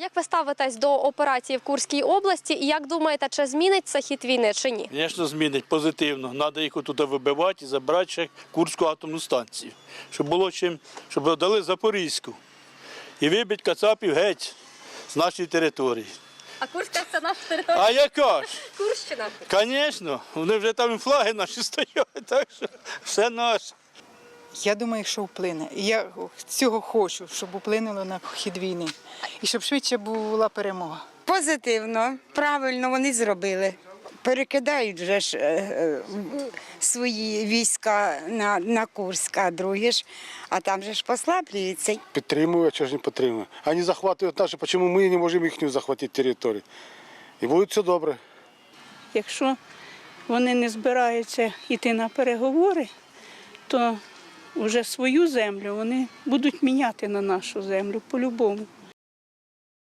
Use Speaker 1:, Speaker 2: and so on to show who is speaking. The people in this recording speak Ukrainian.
Speaker 1: як ви ставитесь до операції в Курській області і як думаєте, чи зміниться хід війни, чи ні?
Speaker 2: Звісно, змінить позитивно. Треба їх отут вибивати і забрати ще Курську атомну станцію. Щоб було чим, щоб дали Запорізьку. І вибити кацапів геть з нашої території.
Speaker 1: А Курська – це наша територія?
Speaker 2: А яка ж?
Speaker 1: Курщина?
Speaker 2: Звісно, вони вже там і флаги наші стоять, так що все наше.
Speaker 3: Я думаю, що вплине. І я цього хочу, щоб вплинуло на хід війни. І щоб швидше була перемога.
Speaker 4: Позитивно, правильно вони зробили. Перекидають вже ж свої війська на Курськ, а другі ж, а там же ж послаблюються.
Speaker 5: Підтримую, а чого ж не підтримую. Вони захоплюють наші, чому ми не можемо їхню захватити територію. І буде все добре.
Speaker 6: Якщо вони не збираються йти на переговори, то вже свою землю вони будуть міняти на нашу землю по-любому.